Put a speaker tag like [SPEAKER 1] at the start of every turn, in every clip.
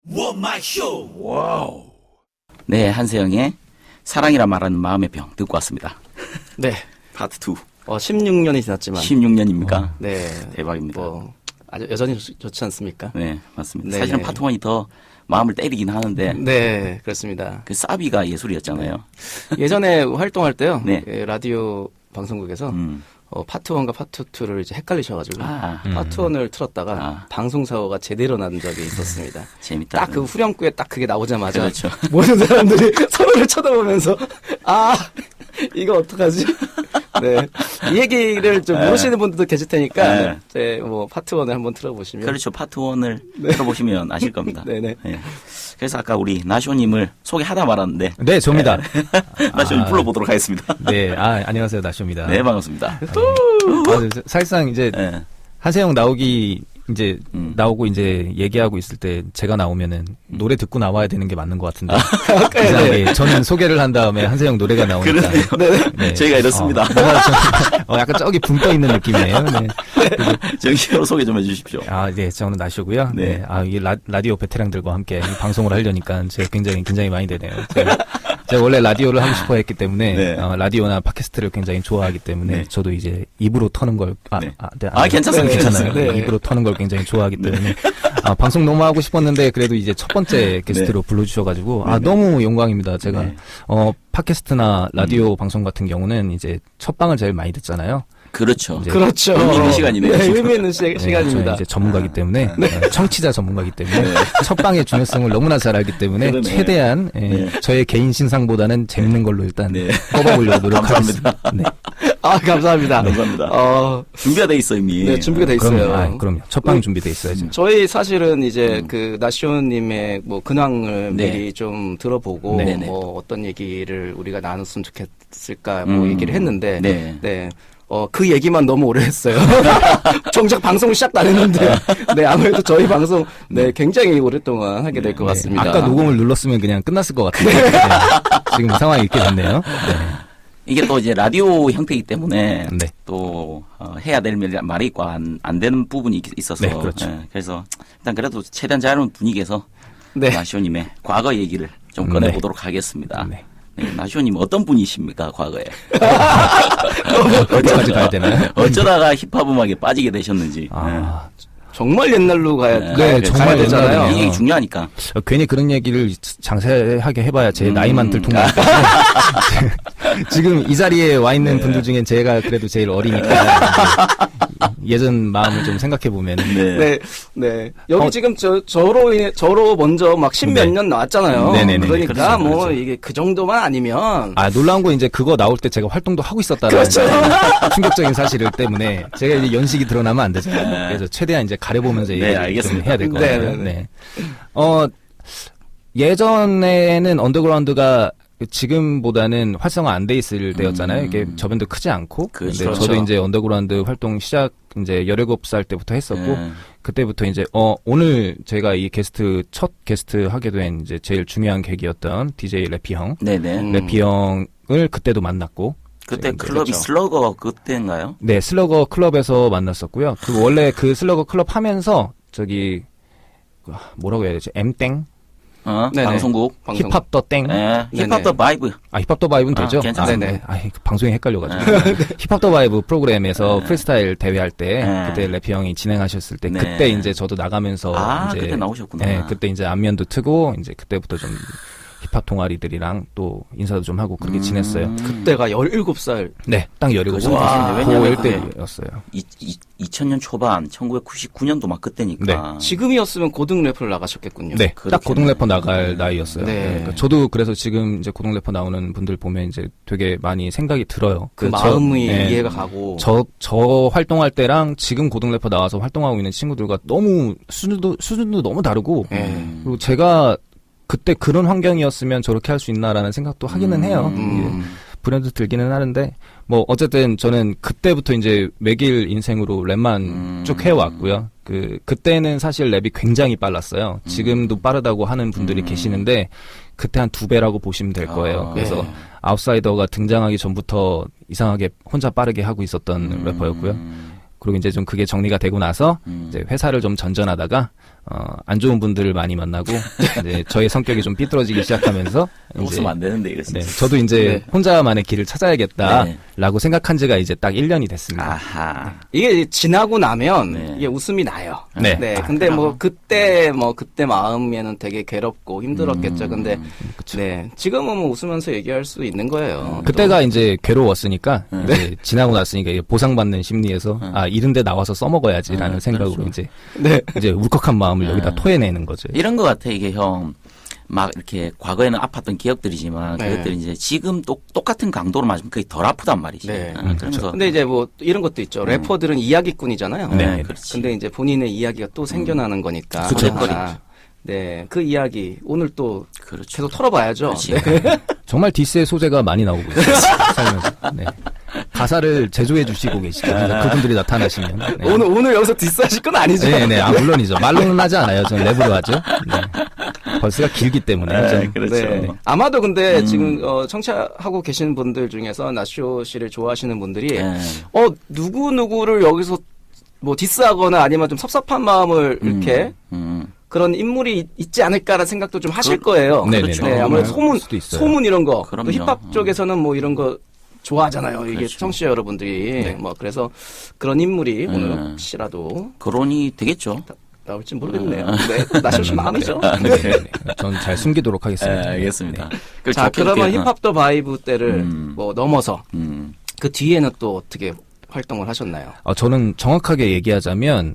[SPEAKER 1] 원마쇼.
[SPEAKER 2] 와우. 네, 한세영의 사랑이라 말하는 마음의 병 듣고 왔습니다.
[SPEAKER 3] 네.
[SPEAKER 2] 파트 2.
[SPEAKER 3] 16년이 지났지만.
[SPEAKER 2] 16년입니까?
[SPEAKER 3] 네.
[SPEAKER 2] 대박입니다.
[SPEAKER 3] 아주 여전히 좋지 않습니까?
[SPEAKER 2] 네, 맞습니다.
[SPEAKER 3] 네네.
[SPEAKER 2] 사실은 파트 1이 더 마음을 때리긴 하는데.
[SPEAKER 3] 네, 그렇습니다.
[SPEAKER 2] 그 사비가 예술이었잖아요.
[SPEAKER 3] 예전에 활동할 때요.
[SPEAKER 2] 네.
[SPEAKER 3] 라디오 방송국에서 파트 1과 파트 2를 이제 헷갈리셔가지고 파트 1을 틀었다가 방송사고가 제대로 난 적이 있었습니다.
[SPEAKER 2] 재밌다.
[SPEAKER 3] 딱 그 후렴구에 딱 그게 나오자마자
[SPEAKER 2] 그렇죠.
[SPEAKER 3] 모든 사람들이 서로를 쳐다보면서 이거 어떡하지? 네. 이 얘기를 좀 모르시는 분들도 계실 테니까 제 파트 1을 한번 틀어보시면
[SPEAKER 2] 그렇죠. 파트 1을 들어보시면 아실 겁니다.
[SPEAKER 3] 네네.
[SPEAKER 2] 네. 그래서 아까 우리 나쇼님을 소개하다 말았는데.
[SPEAKER 4] 네, 저입니다.
[SPEAKER 2] 나쇼님 불러보도록 하겠습니다.
[SPEAKER 4] 네, 안녕하세요, 나쇼입니다.
[SPEAKER 2] 네, 반갑습니다.
[SPEAKER 4] 사실상 이제
[SPEAKER 2] 네.
[SPEAKER 4] 한세영 나오고 이제 얘기하고 있을 때 제가 나오면은 노래 듣고 나와야 되는 게 맞는 것 같은데. 이상하게 저는 소개를 한 다음에 한세영 노래가 나오니까.
[SPEAKER 2] 네. 저희가 이렇습니다.
[SPEAKER 4] 약간 저기 붕 떠 있는 느낌이에요. 네.
[SPEAKER 2] 정식으로 소개 좀 해주십시오.
[SPEAKER 4] 네, 저는 나쇼고요.
[SPEAKER 2] 네.
[SPEAKER 4] 이 라디오 베테랑들과 함께 이 방송을 하려니까 제가 굉장히 긴장이 많이 되네요. 제가 원래 라디오를 하고 싶어 했기 때문에,
[SPEAKER 2] 네.
[SPEAKER 4] 라디오나 팟캐스트를 굉장히 좋아하기 때문에,
[SPEAKER 2] 네.
[SPEAKER 4] 저도 이제 입으로 터는 걸,
[SPEAKER 2] 괜찮습니다.
[SPEAKER 4] 괜찮아요.
[SPEAKER 3] 네.
[SPEAKER 4] 입으로 터는 걸 굉장히 좋아하기 때문에, 방송 너무 하고 싶었는데, 그래도 이제 첫 번째 게스트로 불러주셔가지고, 너무 영광입니다. 제가, 팟캐스트나 라디오 방송 같은 경우는 이제 첫 방을 제일 많이 듣잖아요.
[SPEAKER 2] 그렇죠.
[SPEAKER 3] 그렇죠.
[SPEAKER 2] 의미 있는 시간이네요.
[SPEAKER 3] 네, 의미 있는 시간입니다.
[SPEAKER 4] 저는 이제 전문가이기 때문에 청취자 전문가이기 때문에 첫 방의 중요성을 너무나 잘 알기 때문에
[SPEAKER 2] 그러네.
[SPEAKER 4] 최대한 저의 개인 신상보다는 재밌는 걸로 일단 뽑아보려고 노력하겠습니다. 네.
[SPEAKER 3] 감사합니다.
[SPEAKER 2] 감사합니다. 준비가 돼 있어 이미.
[SPEAKER 3] 네, 준비가 돼 있어요.
[SPEAKER 4] 그럼요. 첫 방 준비돼 있어야죠.
[SPEAKER 3] 저희 사실은 이제 그 나쇼님의 근황을
[SPEAKER 2] 네.
[SPEAKER 3] 미리 좀 들어보고
[SPEAKER 2] 네네.
[SPEAKER 3] 어떤 얘기를 우리가 나눴으면 좋겠을까 얘기를 했는데
[SPEAKER 2] 네.
[SPEAKER 3] 그 얘기만 너무 오래 했어요. 정작 방송 시작도 안 했는데, 아무래도 저희 방송, 굉장히 오랫동안 하게 될 것 같습니다.
[SPEAKER 4] 아까 녹음을 눌렀으면 그냥 끝났을 것 같아요. 지금 상황이 이렇게 됐네요.
[SPEAKER 2] 이게 또 이제 라디오 형태이기 때문에
[SPEAKER 4] 네.
[SPEAKER 2] 또 해야 될 말이 있고 안 되는 부분이 있어서.
[SPEAKER 4] 네, 그렇죠.
[SPEAKER 2] 그래서 일단 그래도 최대한 자유로운 분위기에서
[SPEAKER 3] 네.
[SPEAKER 2] 나쇼님의 과거 얘기를 좀 꺼내보도록 하겠습니다.
[SPEAKER 4] 네.
[SPEAKER 2] 나쇼님 어떤 분이십니까 과거에?
[SPEAKER 4] 어디까지 가야 되나요?
[SPEAKER 2] 어쩌다가 힙합 음악에 빠지게 되셨는지.
[SPEAKER 3] 정말 옛날로 가야
[SPEAKER 4] 정말
[SPEAKER 3] 되잖아요.
[SPEAKER 4] 옛날이네요.
[SPEAKER 2] 이게 중요하니까.
[SPEAKER 4] 괜히 그런 얘기를 장세하게 해봐야 제 나이만 들통나기 때문에 지금 이 자리에 와 있는 분들 중엔 제가 그래도 제일 어리니까 예전 마음을 좀 생각해 보면
[SPEAKER 3] 네. 여기 지금 저로 먼저 막 십몇 년 나왔잖아요.
[SPEAKER 4] 네네네.
[SPEAKER 3] 그러니까
[SPEAKER 4] 그렇죠.
[SPEAKER 3] 이게 그 정도만 아니면.
[SPEAKER 4] 놀라운 건 이제 그거 나올 때 제가 활동도 하고 있었다는
[SPEAKER 3] 그렇죠.
[SPEAKER 4] 충격적인 사실 때문에 제가 이제 연식이 드러나면 안 되잖아요. 그래서 최대한 이제 가려보면서 얘기를 좀 해야 될 것 같아요.
[SPEAKER 3] 네.
[SPEAKER 4] 예전에는 언더그라운드가 지금보다는 활성화 안 돼 있을 때였잖아요. 이게 저변도 크지 않고.
[SPEAKER 2] 그렇죠.
[SPEAKER 4] 근데 저도 이제 언더그라운드 활동 시작 이제 17살 때부터 했었고 그때부터 이제 오늘 제가 이 첫 게스트 하게 된 이제 제일 중요한 계기였던 DJ 래피 형.
[SPEAKER 2] 네네.
[SPEAKER 4] 래피 형을 그때도 만났고
[SPEAKER 2] 그때 클럽이 슬러거 그때인가요?
[SPEAKER 4] 네, 슬러거 클럽에서 만났었고요. 그리고 원래 그 슬러거 클럽 하면서 뭐라고 해야 되지? M땡?
[SPEAKER 2] 방송국.
[SPEAKER 4] 힙합 더 땡?
[SPEAKER 2] 힙합 더 바이브.
[SPEAKER 4] 힙합 더 바이브는 되죠?
[SPEAKER 2] 괜찮습니다.
[SPEAKER 4] 방송이 헷갈려가지고. 힙합 더 바이브 프로그램에서 프리스타일 대회할 때, 그때 래피 형이 진행하셨을 때, 그때 이제 저도 나가면서. 이제
[SPEAKER 2] 그때 나오셨구나.
[SPEAKER 4] 네, 그때 이제 안면도 트고, 이제 그때부터 좀 힙합 동아리들이랑 또 인사도 좀 하고 그렇게 지냈어요.
[SPEAKER 3] 그때가 17살.
[SPEAKER 4] 네, 딱 17살.
[SPEAKER 2] 왜냐면
[SPEAKER 4] 고1 때였어요.
[SPEAKER 2] 2000년 초반, 1999년도 막 그때니까.
[SPEAKER 3] 네. 지금이었으면 고등 래퍼를 나가셨겠군요.
[SPEAKER 4] 네, 딱 고등 래퍼 나갈 나이였어요.
[SPEAKER 3] 네.
[SPEAKER 4] 그러니까 저도 그래서 지금 이제 고등 래퍼 나오는 분들 보면 이제 되게 많이 생각이 들어요.
[SPEAKER 3] 그 마음이 이해가 가고.
[SPEAKER 4] 저 활동할 때랑 지금 고등 래퍼 나와서 활동하고 있는 친구들과 너무 수준도 너무 다르고, 그리고 제가 그때 그런 환경이었으면 저렇게 할 수 있나라는 생각도 하기는 해요. 브랜드 들기는 하는데 어쨌든 저는 그때부터 이제 매길 인생으로 랩만 쭉 해왔고요. 그때는 사실 랩이 굉장히 빨랐어요. 지금도 빠르다고 하는 분들이 계시는데 그때 한 2배라고 보시면 될 거예요. 그래서 아웃사이더가 등장하기 전부터 이상하게 혼자 빠르게 하고 있었던 래퍼였고요. 그리고 이제 좀 그게 정리가 되고 나서 이제 회사를 좀 전전하다가 안 좋은 분들을 많이 만나고 이제 저의 성격이 좀 삐뚤어지기 시작하면서
[SPEAKER 2] 웃으면 안 되는데 이거
[SPEAKER 4] 네,
[SPEAKER 2] 진짜.
[SPEAKER 4] 저도 이제 혼자만의 길을 찾아야겠다라고
[SPEAKER 2] 네.
[SPEAKER 4] 생각한 지가 이제 딱 1년이 됐습니다.
[SPEAKER 2] 아하.
[SPEAKER 3] 이게 지나고 나면
[SPEAKER 2] 네.
[SPEAKER 3] 이게 웃음이 나요.
[SPEAKER 4] 네.
[SPEAKER 3] 근데 그때 마음에는 되게 괴롭고 힘들었겠죠. 근데
[SPEAKER 4] 그쵸.
[SPEAKER 3] 네. 지금은 뭐 웃으면서 얘기할 수 있는 거예요.
[SPEAKER 4] 그때가 이제 괴로웠으니까 이제 지나고 났으니까 이게 보상받는 심리에서 이런데 나와서 써먹어야지라는 생각으로
[SPEAKER 2] 그렇죠.
[SPEAKER 4] 이제 울컥한 마음을 여기다 토해내는 거죠.
[SPEAKER 2] 이런 것 같아 이게 형. 막 이렇게 과거에는 아팠던 기억들이지만
[SPEAKER 3] 네.
[SPEAKER 2] 그것들이 이제 지금 똑같은 강도로 맞으면 거의 덜 아프단 말이지.
[SPEAKER 3] 네.
[SPEAKER 2] 그러면서
[SPEAKER 3] 근데 이제 뭐 이런 것도 있죠. 래퍼들은 이야기꾼이잖아요.
[SPEAKER 4] 네,
[SPEAKER 2] 그렇지.
[SPEAKER 3] 근데 이제 본인의 이야기가 또 생겨나는 거니까.
[SPEAKER 2] 그쵸.
[SPEAKER 3] 네. 그 이야기 오늘 또
[SPEAKER 2] 그렇죠.
[SPEAKER 3] 계속 털어봐야죠.
[SPEAKER 2] 그렇지.
[SPEAKER 3] 네.
[SPEAKER 4] 정말 디스의 소재가 많이 나오고 있어요. 살면서. 네. 가사를 제조해 주시고 계시죠. 그분들이 나타나시면. 네.
[SPEAKER 3] 오늘 여기서 디스하실 건 아니죠.
[SPEAKER 4] 네. 물론이죠. 말로는 하지 않아요. 전 랩으로 하죠. 네. 벌스가 길기 때문에.
[SPEAKER 2] 네,
[SPEAKER 4] 좀.
[SPEAKER 2] 그렇죠.
[SPEAKER 3] 네. 아마도 근데 지금 청취하고 계시는 분들 중에서 나쇼 씨를 좋아하시는 분들이
[SPEAKER 2] 네.
[SPEAKER 3] 누구를 여기서 뭐 디스하거나 아니면 좀 섭섭한 마음을 이렇게 그런 인물이 있지 않을까라는 생각도 좀 하실 거예요.
[SPEAKER 4] 네네네.
[SPEAKER 3] 그렇죠. 네, 아무래도
[SPEAKER 4] 수도 있어요.
[SPEAKER 3] 소문 이런 거.
[SPEAKER 2] 그럼요.
[SPEAKER 3] 또 힙합 쪽에서는 뭐 이런 거 좋아하잖아요. 이게
[SPEAKER 2] 그렇죠.
[SPEAKER 3] 청취자 여러분들이. 뭐 그래서 그런 인물이 오늘 혹시라도
[SPEAKER 2] 거론이 되겠죠.
[SPEAKER 3] 나올지 모르겠네요. 네, 나쇼 씨 마음이죠.
[SPEAKER 4] 네. 전 잘 숨기도록 하겠습니다.
[SPEAKER 2] 네, 알겠습니다. 그걸
[SPEAKER 3] 자,
[SPEAKER 2] 좋게
[SPEAKER 3] 그러면
[SPEAKER 2] 이렇게,
[SPEAKER 3] 힙합 더 바이브 때를 뭐 넘어서 그 뒤에는 또 어떻게 활동을 하셨나요?
[SPEAKER 4] 저는 정확하게 얘기하자면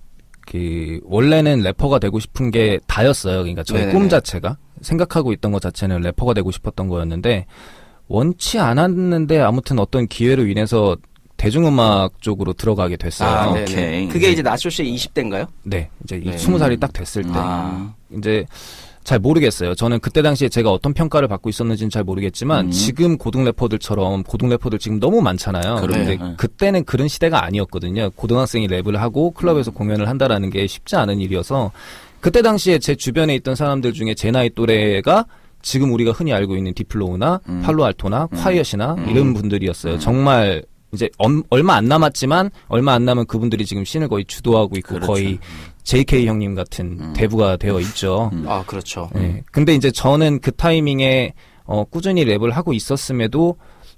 [SPEAKER 4] 원래는 래퍼가 되고 싶은 게 다였어요. 그러니까 저의
[SPEAKER 3] 네네네.
[SPEAKER 4] 꿈 자체가 생각하고 있던 것 자체는 래퍼가 되고 싶었던 거였는데 원치 않았는데 아무튼 어떤 기회로 인해서 대중음악 쪽으로 들어가게 됐어요.
[SPEAKER 3] 네네.
[SPEAKER 2] 오케이.
[SPEAKER 3] 그게 이제 나쇼 씨의 20대인가요?
[SPEAKER 4] 네, 이제
[SPEAKER 3] 네.
[SPEAKER 4] 20살이 딱 됐을 때
[SPEAKER 3] 아.
[SPEAKER 4] 이제 잘 모르겠어요. 저는 그때 당시에 제가 어떤 평가를 받고 있었는지는 잘 모르겠지만 지금 고등 래퍼들처럼 고등 래퍼들 지금 너무 많잖아요.
[SPEAKER 2] 그러네.
[SPEAKER 4] 근데 그때는 그런 시대가 아니었거든요. 고등학생이 랩을 하고 클럽에서 공연을 한다라는 게 쉽지 않은 일이어서 그때 당시에 제 주변에 있던 사람들 중에 제 나이 또래가 지금 우리가 흔히 알고 있는 디플로우나 팔로알토나 콰이엇이나 이런 분들이었어요. 정말 이제 얼마 안 남았지만 얼마 안 남은 그분들이 지금 씬을 거의 주도하고 있고
[SPEAKER 2] 그렇죠.
[SPEAKER 4] 거의 JK 형님 같은 대부가 되어 있죠.
[SPEAKER 3] 아, 그렇죠.
[SPEAKER 4] 네. 근데 이제 저는 그 타이밍에 꾸준히 랩을 하고 있었음에도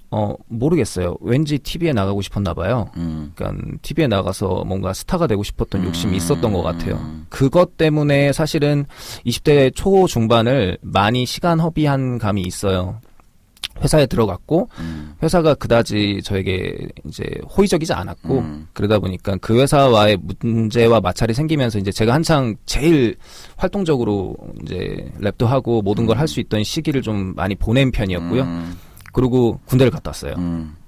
[SPEAKER 4] 모르겠어요. 왠지 TV에 나가고 싶었나 봐요. 그러니까 TV에 나가서 뭔가 스타가 되고 싶었던 욕심이 있었던 것 같아요. 그것 때문에 사실은 20대 초중반을 많이 시간 허비한 감이 있어요. 회사에 들어갔고 회사가 그다지 저에게 이제 호의적이지 않았고 그러다 보니까 그 회사와의 문제와 마찰이 생기면서 이제 제가 한창 제일 활동적으로 이제 랩도 하고 모든 걸 할 수 있던 시기를 좀 많이 보낸 편이었고요. 그리고 군대를 갔다 왔어요.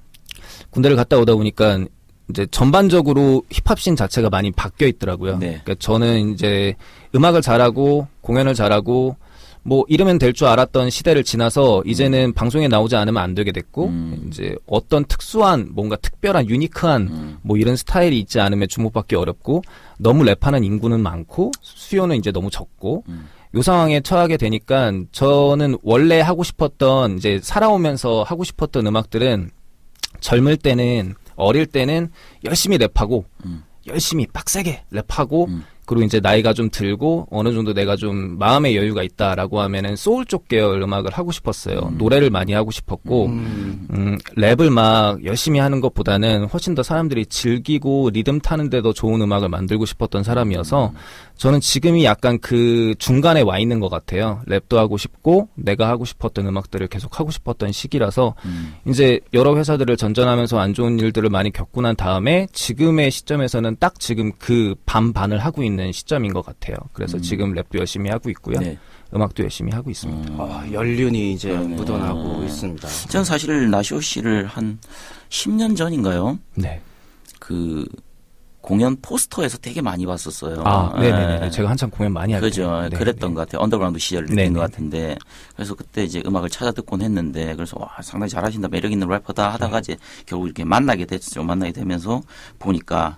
[SPEAKER 4] 군대를 갔다 오다 보니까 이제 전반적으로 힙합씬 자체가 많이 바뀌어 있더라고요.
[SPEAKER 2] 네.
[SPEAKER 4] 그러니까 저는 이제 음악을 잘하고 공연을 잘하고 뭐 이러면 될 줄 알았던 시대를 지나서 이제는 방송에 나오지 않으면 안 되게 됐고 이제 어떤 특수한 뭔가 특별한 유니크한 뭐 이런 스타일이 있지 않으면 주목받기 어렵고 너무 랩하는 인구는 많고 수요는 이제 너무 적고 요 상황에 처하게 되니까 저는 원래 하고 싶었던 이제 살아오면서 하고 싶었던 음악들은 젊을 때는 어릴 때는 열심히 랩하고 열심히 빡세게 랩하고 그리고 이제 나이가 좀 들고 어느 정도 내가 좀 마음의 여유가 있다라고 하면은 소울 쪽 계열 음악을 하고 싶었어요. 노래를 많이 하고 싶었고 랩을 막 열심히 하는 것보다는 훨씬 더 사람들이 즐기고 리듬 타는데 더 좋은 음악을 만들고 싶었던 사람이어서 저는 지금이 약간 그 중간에 와 있는 것 같아요. 랩도 하고 싶고 내가 하고 싶었던 음악들을 계속 하고 싶었던 시기라서 이제 여러 회사들을 전전하면서 안 좋은 일들을 많이 겪고 난 다음에 지금의 시점에서는 딱 지금 그 반반을 하고 있는 시점인 것 같아요. 그래서 지금 랩도 열심히 하고 있고요.
[SPEAKER 2] 네.
[SPEAKER 4] 음악도 열심히 하고 있습니다.
[SPEAKER 3] 연륜이 이제 묻어나고 있습니다.
[SPEAKER 2] 전 사실 나시오 씨를 한 10년 전인가요?
[SPEAKER 4] 네.
[SPEAKER 2] 그 공연 포스터에서 되게 많이 봤었어요.
[SPEAKER 4] 네네네. 제가 한참 공연 많이 할 때.
[SPEAKER 2] 그죠.
[SPEAKER 4] 네,
[SPEAKER 2] 그랬던
[SPEAKER 4] 네.
[SPEAKER 2] 것 같아요. 언더그라운드 시절 느낀
[SPEAKER 4] 네네.
[SPEAKER 2] 것 같은데. 그래서 그때 이제 음악을 찾아 듣곤 했는데, 그래서 와, 상당히 잘하신다, 매력 있는 래퍼다 하다가 이제 결국 이렇게 만나게 됐죠. 만나게 되면서 보니까,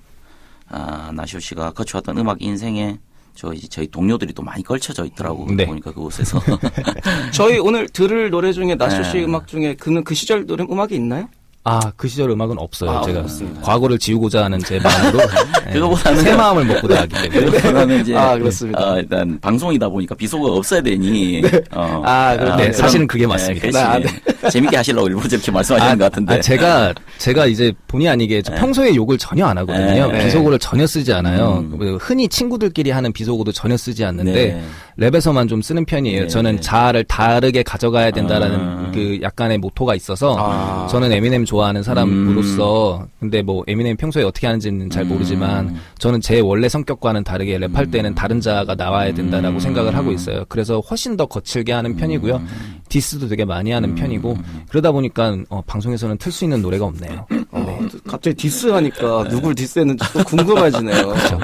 [SPEAKER 2] 나시오 씨가 거쳐왔던 음악 인생에 저희 동료들이 또 많이 걸쳐져 있더라고.
[SPEAKER 4] 네.
[SPEAKER 2] 보니까 그곳에서.
[SPEAKER 3] 저희 오늘 들을 노래 중에 나쇼 씨 음악 중에 그 시절 노래 음악이 있나요?
[SPEAKER 4] 그 시절 음악은 없어요. 제가
[SPEAKER 3] 없습니다.
[SPEAKER 4] 과거를 지우고자 하는 제 마음으로
[SPEAKER 2] 그거보다는
[SPEAKER 4] 새 마음을 먹고 나가기 때문에.
[SPEAKER 2] 그거보다는 이제
[SPEAKER 3] 그렇습니다.
[SPEAKER 2] 일단 방송이다 보니까 비속어가 없어야 되니.
[SPEAKER 4] 네, 사실은 그게 맞습니다.
[SPEAKER 2] 재밌게 하시려고 일부러 저렇게 말씀하시는 것 같은데.
[SPEAKER 4] 제가 이제 본의 아니게 평소에 욕을 전혀 안 하거든요. 비속어를 전혀 쓰지 않아요. 흔히 친구들끼리 하는 비속어도 전혀 쓰지 않는데 랩에서만 좀 쓰는 편이에요. 저는 자아를 다르게 가져가야 된다라는 그 약간의 모토가 있어서 저는 에미넴 좋아하는 사람으로서 근데 뭐 에미넴 평소에 어떻게 하는지는 잘 모르지만 저는 제 원래 성격과는 다르게 랩할 때는 다른 자아가 나와야 된다라고 생각을 하고 있어요. 그래서 훨씬 더 거칠게 하는 편이고요. 디스도 되게 많이 하는 편이고 그러다 보니까 방송에서는 틀 수 있는 노래가 없네요. 네.
[SPEAKER 3] 갑자기 디스하니까 누굴 디스했는지 또 궁금해지네요.
[SPEAKER 2] 그렇죠.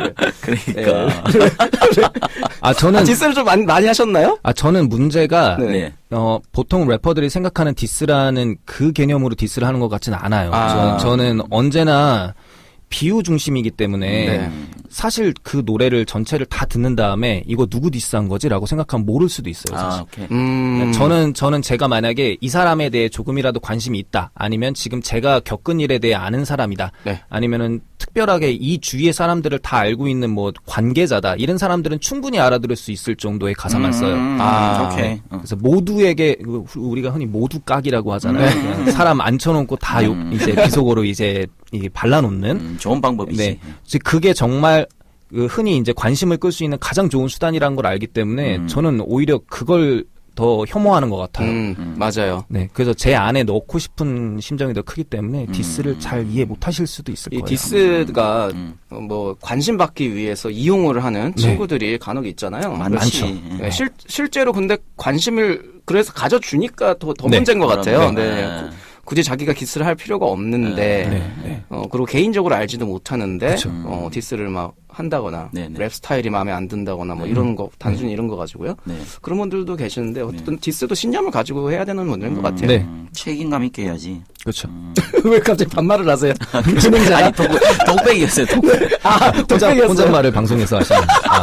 [SPEAKER 2] 그러니까.
[SPEAKER 4] 저는
[SPEAKER 3] 디스를 좀 많이 하셨나요?
[SPEAKER 4] 저는 문제가
[SPEAKER 2] 네.
[SPEAKER 4] 보통 래퍼들이 생각하는 디스라는 그 개념으로 디스를 하는 것 같지는 않아요. 저는 언제나 비유 중심이기 때문에 사실 그 노래를 전체를 다 듣는 다음에 이거 누구 디스한 거지라고 생각하면 모를 수도 있어요. 사실.
[SPEAKER 2] 오케이.
[SPEAKER 4] 저는 제가 만약에 이 사람에 대해 조금이라도 관심이 있다, 아니면 지금 제가 겪은 일에 대해 아는 사람이다, 아니면은 특별하게 이 주위의 사람들을 다 알고 있는 뭐 관계자다, 이런 사람들은 충분히 알아들을 수 있을 정도의 가사만 써요.
[SPEAKER 2] 오케이.
[SPEAKER 4] 그래서 모두에게 우리가 흔히 모두 깍이라고 하잖아요. 그냥 사람 앉혀놓고 다 이제 비속어로 이제 발라놓는
[SPEAKER 2] 좋은 방법이지.
[SPEAKER 4] 네, 그게 정말 흔히 이제 관심을 끌 수 있는 가장 좋은 수단이라는 걸 알기 때문에 저는 오히려 그걸 더 혐오하는 것 같아요.
[SPEAKER 3] 맞아요.
[SPEAKER 4] 네, 그래서 제 안에 넣고 싶은 심정이 더 크기 때문에 디스를 잘 이해 못하실 수도 있을
[SPEAKER 3] 이
[SPEAKER 4] 거예요.
[SPEAKER 3] 디스가 뭐 관심 받기 위해서 이용을 하는 친구들이 간혹 있잖아요.
[SPEAKER 2] 많죠.
[SPEAKER 3] 네, 실제로 근데 관심을 그래서 가져주니까 더 문제인 것 같아요. 굳이 자기가 디스를 할 필요가 없는데 그리고 개인적으로 알지도 못하는데 디스를 막 한다거나 랩 스타일이 마음에 안 든다거나 뭐 이런 거 단순히 이런 거 가지고요. 그런 분들도 계시는데 어쨌든 디스도 신념을 가지고 해야 되는 문제인 것 같아요.
[SPEAKER 2] 책임감 있게 해야지.
[SPEAKER 4] 그렇죠.
[SPEAKER 3] 왜 갑자기 반말을 하세요? 진행자.
[SPEAKER 2] 아니 독백이었어요. 독백.
[SPEAKER 4] 혼잣말을 방송에서 하시는.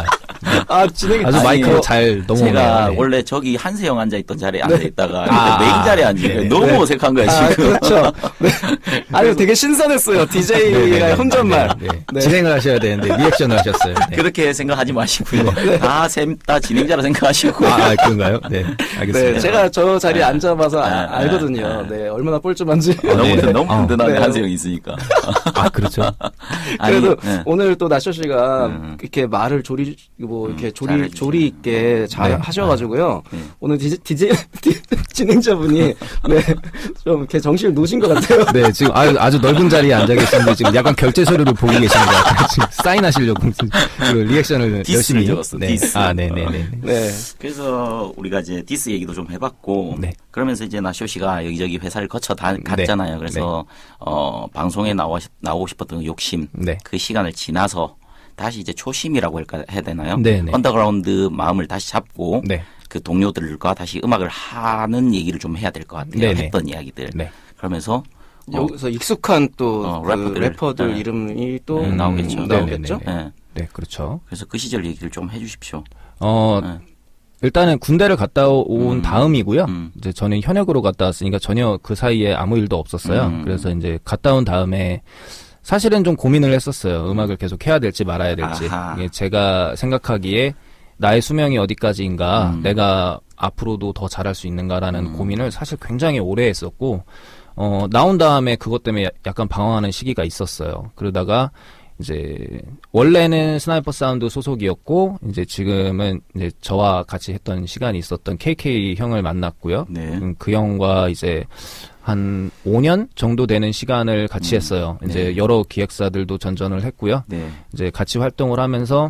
[SPEAKER 3] 진행이
[SPEAKER 4] 아주 마이크로 잘 넘어오네요.
[SPEAKER 2] 제가 원래 저기 한세영 앉아있던 자리에 앉아있다가 메인 자리에 앉으니까 너무 어색한 거야 지금.
[SPEAKER 3] 그렇죠. 아니 되게 신선했어요. DJ가 혼잣말.
[SPEAKER 4] 진행을 하셔야 되는데 리액션을 하셨어요.
[SPEAKER 2] 그렇게 생각하지 마시고요. 셋 다 진행자로 생각하시고.
[SPEAKER 4] 그런가요? 네, 알겠습니다.
[SPEAKER 3] 제가 저 자리에 앉아봐서 알거든요. 얼마나 뻘쭘한지.
[SPEAKER 2] 너무 든든한데 한세영이 있으니까.
[SPEAKER 4] 그렇죠.
[SPEAKER 3] 그래도 오늘 또 나쇼 씨가 이렇게 말을 조리 있게 잘 하셔가지고요. 오늘 진행자분이 좀 이렇게 정신을 놓으신 것 같아요.
[SPEAKER 4] 네, 지금 아주 넓은 자리에 앉아 계시는데 지금 약간 결제 서류를 보고 계시는 것 같아요. 지금 사인하시려고 리액션을 열심히
[SPEAKER 2] 적었어. 디스.
[SPEAKER 3] 네.
[SPEAKER 2] 그래서 우리가 이제 디스 얘기도 좀 해봤고, 그러면서 이제 나쇼 씨가 여기저기 회사를 거쳐 갔잖아요. 그래서 방송에 나오고 싶었던 그 욕심, 그 시간을 지나서 다시 이제 초심이라고 해야 되나요? 언더그라운드 마음을 다시 잡고 그 동료들과 다시 음악을 하는 얘기를 좀 해야 될 것 같아요. 했던 이야기들. 그러면서
[SPEAKER 3] 여기서 익숙한 또 래퍼들 이름이 또
[SPEAKER 2] 나오겠죠.
[SPEAKER 4] 네, 그렇죠.
[SPEAKER 2] 그래서 그 시절 얘기를 좀 해주십시오.
[SPEAKER 4] 일단은 군대를 갔다 온 다음이고요. 이제 저는 현역으로 갔다 왔으니까 전혀 그 사이에 아무 일도 없었어요. 그래서 이제 갔다 온 다음에 사실은 좀 고민을 했었어요. 음악을 계속 해야 될지 말아야 될지. 이게 제가 생각하기에 나의 수명이 어디까지인가, 내가 앞으로도 더 잘할 수 있는가라는 고민을 사실 굉장히 오래 했었고, 나온 다음에 그것 때문에 약간 방황하는 시기가 있었어요. 그러다가 이제 원래는 스나이퍼 사운드 소속이었고, 이제 지금은 이제 저와 같이 했던 시간이 있었던 KK 형을 만났고요. 그 형과 이제 한 5년 정도 되는 시간을 같이 했어요. 이제 여러 기획사들도 전전을 했고요. 이제 같이 활동을 하면서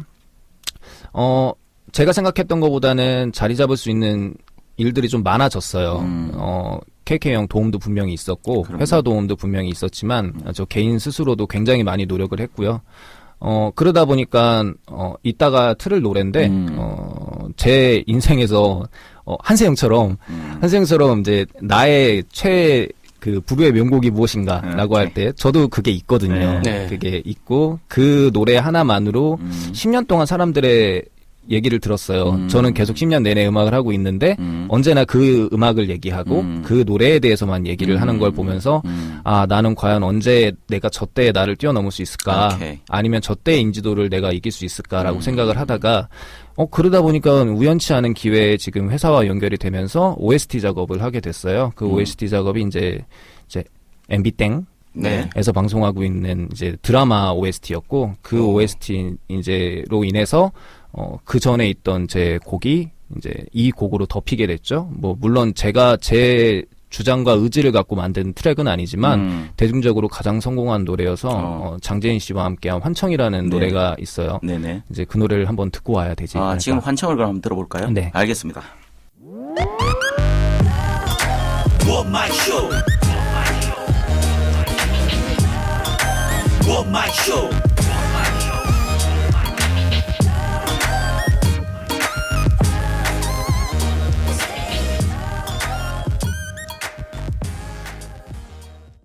[SPEAKER 4] 제가 생각했던 것보다는 자리 잡을 수 있는 일들이 좀 많아졌어요. KK 형 도움도 분명히 있었고, 회사 도움도 분명히 있었지만, 저 개인 스스로도 굉장히 많이 노력을 했고요. 그러다 보니까, 이따가 틀을 노랜데, 제 인생에서, 한세형처럼 이제 나의 부르의 명곡이 무엇인가라고 할 때, 저도 그게 있거든요. 그게 있고, 그 노래 하나만으로 10년 동안 사람들의 얘기를 들었어요. 저는 계속 10년 내내 음악을 하고 있는데 언제나 그 음악을 얘기하고 그 노래에 대해서만 얘기를 하는 걸 보면서 아, 나는 과연 언제 내가 저 때의 나를 뛰어넘을 수 있을까?
[SPEAKER 2] 오케이.
[SPEAKER 4] 아니면 저 때의 인지도를 내가 이길 수 있을까라고 생각을 하다가 그러다 보니까 우연치 않은 기회에 지금 회사와 연결이 되면서 OST 작업을 하게 됐어요. 그 OST 작업이 이제 MB땡
[SPEAKER 2] 네.
[SPEAKER 4] 에서 방송하고 있는 이제 드라마 OST였고 그 OST 이제로 인해서 그 전에 있던 제 곡이 이제 이 곡으로 덮이게 됐죠. 뭐 물론 제가 제 주장과 의지를 갖고 만든 트랙은 아니지만 대중적으로 가장 성공한 노래여서 장재인 씨와 함께한 환청이라는
[SPEAKER 2] 네.
[SPEAKER 4] 노래가 있어요.
[SPEAKER 2] 네네.
[SPEAKER 4] 이제 그 노래를 한번 듣고 와야 되지.
[SPEAKER 2] 아,
[SPEAKER 4] 않을까.
[SPEAKER 2] 지금 환청을 그럼 한번 들어볼까요?
[SPEAKER 4] 네.
[SPEAKER 2] 알겠습니다.
[SPEAKER 1] What my show? What my show?